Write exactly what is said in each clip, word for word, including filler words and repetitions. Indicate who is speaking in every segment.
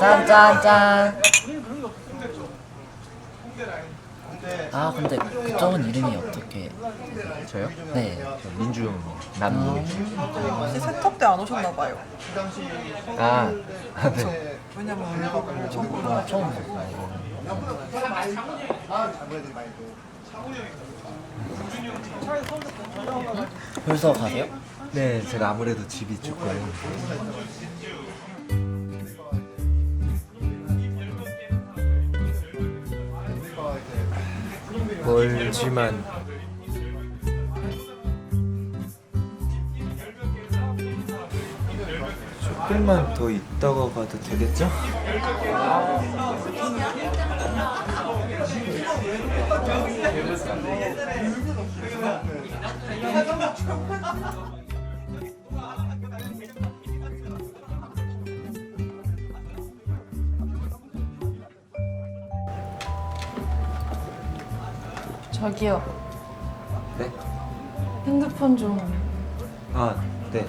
Speaker 1: 짠짠짠. 아 근데 그쪽은 이름이 어떻게?
Speaker 2: 저요?
Speaker 1: 네.
Speaker 2: 저 민주형입니다. 남민우.
Speaker 3: 혹시 세탁 때 안 오셨나봐요.
Speaker 2: 아, 아 네.
Speaker 3: 왜냐면 얼굴 전부
Speaker 1: 아, 처음 봤어요. 벌써 가세요?
Speaker 2: 네, 제가 아무래도 집이 조금 멀지만 조금만 더 있다가 가도 되겠죠?
Speaker 4: 저기요.
Speaker 2: 네?
Speaker 4: 핸드폰 좀.
Speaker 2: 아, 네.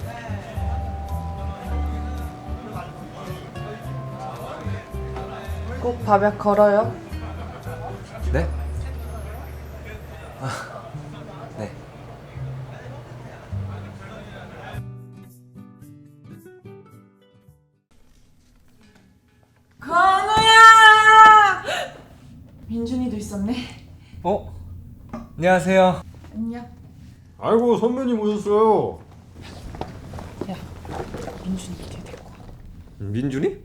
Speaker 4: 꼭 밥약 걸어요.
Speaker 2: 네? 아, 네.
Speaker 4: 건우야! 민준이도 있었네.
Speaker 2: 어? 안녕하세요.
Speaker 4: 안녕.
Speaker 5: 아이고 선배님 오셨어요.
Speaker 4: 야, 민준이 걔 데리고 와.
Speaker 5: 민준이?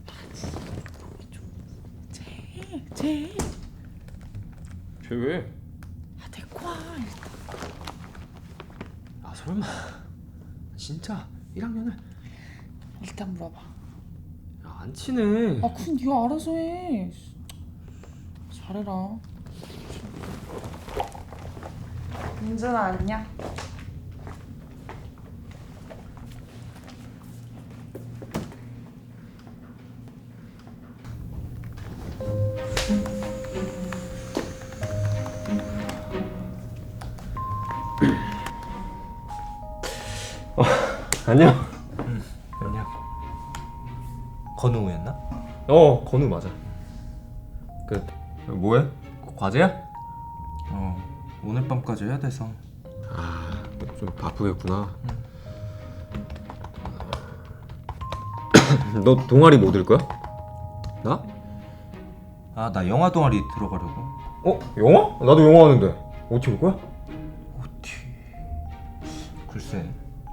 Speaker 4: 쟤, 쟤.
Speaker 5: 쟤 왜?
Speaker 4: 아, 데리고 와.
Speaker 2: 아, 설마 진짜 일 학년을
Speaker 4: 일단 물어봐.
Speaker 5: 야, 안 친해.
Speaker 4: 아, 그건 네가 알아서 해. 잘해라. 민준아, 안녕.
Speaker 5: 어, 안녕.
Speaker 2: 응, 안녕. 건우였나?
Speaker 5: 어 건우 맞아. 그 뭐해? 과제야?
Speaker 2: 어, 오늘 밤까지 해야 돼서.
Speaker 5: 아좀 바쁘겠구나. 너 동아리 뭐 들 거야? 나?
Speaker 2: 아, 나 영화 동아리 들어가려고.
Speaker 5: 어 영화? 나도 영화 하는데 어떻게 올 거야?
Speaker 2: 오티. 글쎄.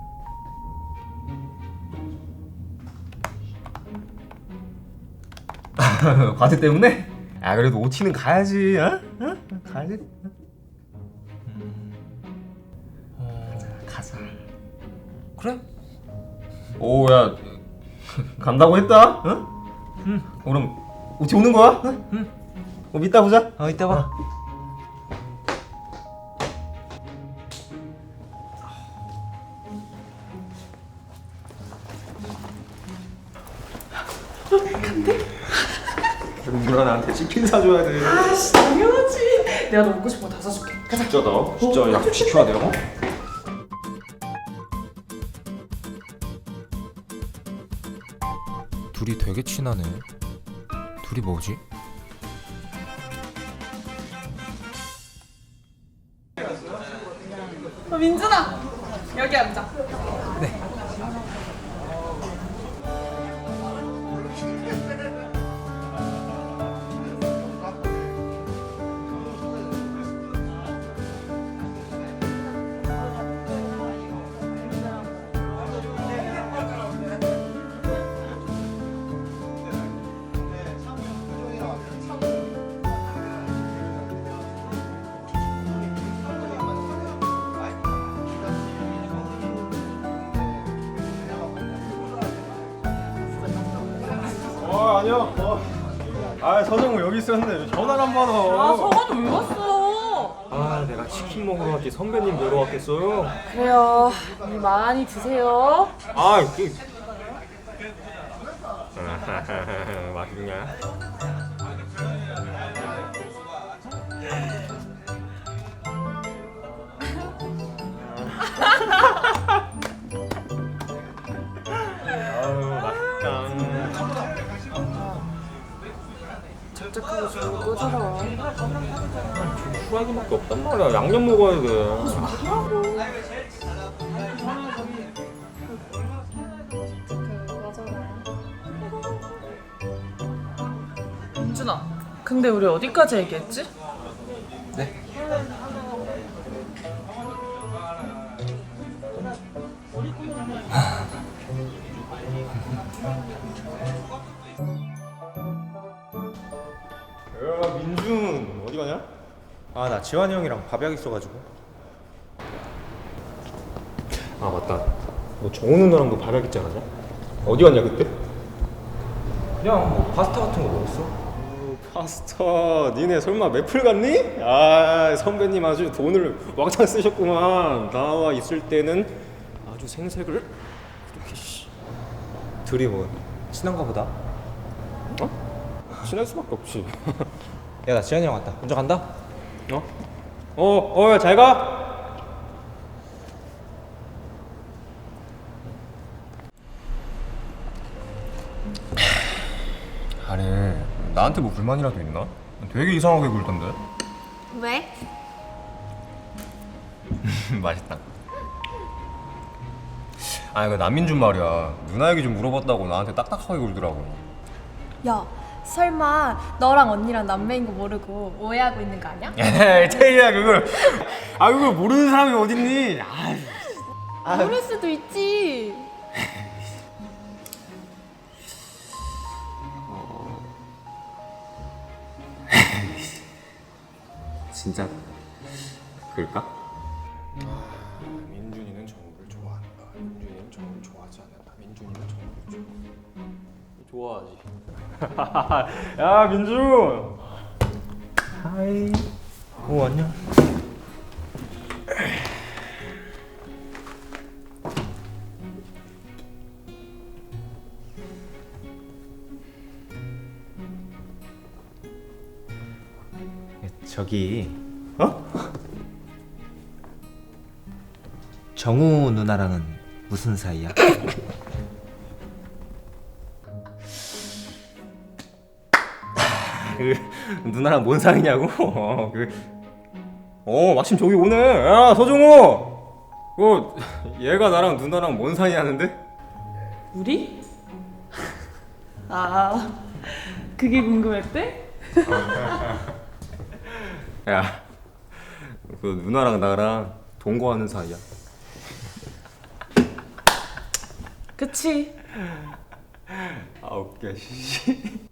Speaker 5: 과제 때문에? 아 그래도 오치는 가야지. 어? 어? 가야지.
Speaker 2: 음. 어,
Speaker 5: 가자.
Speaker 2: 그래?
Speaker 5: 오야 간다고 했다. 응? 응. 그럼 오치 오는 거야? 응? 응. 그럼 이따 보자.
Speaker 2: 어, 이따 봐.
Speaker 5: 누나 나한테 치킨 사줘야 돼.
Speaker 4: 아씨, 당연하지. 내가 너 먹고 싶은 거 다 사줄게. 가자.
Speaker 5: 진짜다. 진짜 약속 지켜야 돼요.
Speaker 2: 둘이 되게 친하네. 둘이 뭐지?
Speaker 4: 어, 민준아, 여기 앉아.
Speaker 5: 어 아니야. 어. 아 서정우 여기 있었는데 전화를 안 받아.
Speaker 4: 아, 서관이 왜 왔어?
Speaker 5: 아 내가 치킨 먹으러 왔지 선배님 뵈러 왔겠어요?
Speaker 4: 그래요. 많이 드세요.
Speaker 5: 아 그. 맛있냐? 아유 맛있다.
Speaker 4: 납작하게 좀 꺼져라.
Speaker 5: 후라이드밖에 없단 말이야. 양념 먹어야 돼.
Speaker 4: 민준아, 근데 우리 어디까지 얘기했지?
Speaker 2: 네?
Speaker 5: 야 민준 어디 가냐?
Speaker 2: 아 나 지환이 형이랑 밥약 있어가지고.
Speaker 5: 아 맞다. 너 정우 누나랑도 밥약 있지 않았냐? 어디 갔냐 그때?
Speaker 2: 그냥 뭐 파스타 같은 거 먹었어.
Speaker 5: 파스타. 니네 설마 매플 갔니? 아 선배님 아주 돈을 왕창 쓰셨구만. 나와 있을 때는 아주 생색을 그렇게 씨.
Speaker 2: 둘이 뭐 친한가 보다.
Speaker 5: 어? 친할 수밖에 없지.
Speaker 2: 야 나 지환이 형 왔다. 먼저 간다.
Speaker 5: 어? 어, 어, 잘 가. 아니, 나한테 뭐 불만이라도 있나? 되게 이상하게 굴던데.
Speaker 6: 왜?
Speaker 5: 맛있다. 아, 그 남민준 말이야. 누나 얘기 좀 물어봤다고 나한테 딱딱하게 굴더라고.
Speaker 6: 야, 설마 너랑 언니랑 남매인 거 모르고 오해하고 있는 거 아니야?
Speaker 5: 에이, 태희야 그걸. 아, 그걸 모르는 사람이 어딨니? 아,
Speaker 6: 모를 수도 있지.
Speaker 5: 진짜 그럴까? 민준이는 정우를 좋아한다. 민준이는 정우를 좋아하지 않는다. 민준이는 정우를 좋아. 좋아하지. 야 민준.
Speaker 2: 하이. 오 안녕. 저기
Speaker 5: 어?
Speaker 2: 정우 누나랑은 무슨 사이야?
Speaker 5: 그 누나랑 뭔 사이냐고? 어, 그, 어 마침 저기 오네. 야 서정우. 그 얘가 나랑 누나랑 뭔 사이냐는데?
Speaker 4: 우리? 아, 그게 궁금했대?
Speaker 5: 야, 그 누나랑 나랑 동거하는 사이야.
Speaker 4: 그치.
Speaker 5: 아 웃겨. 씨.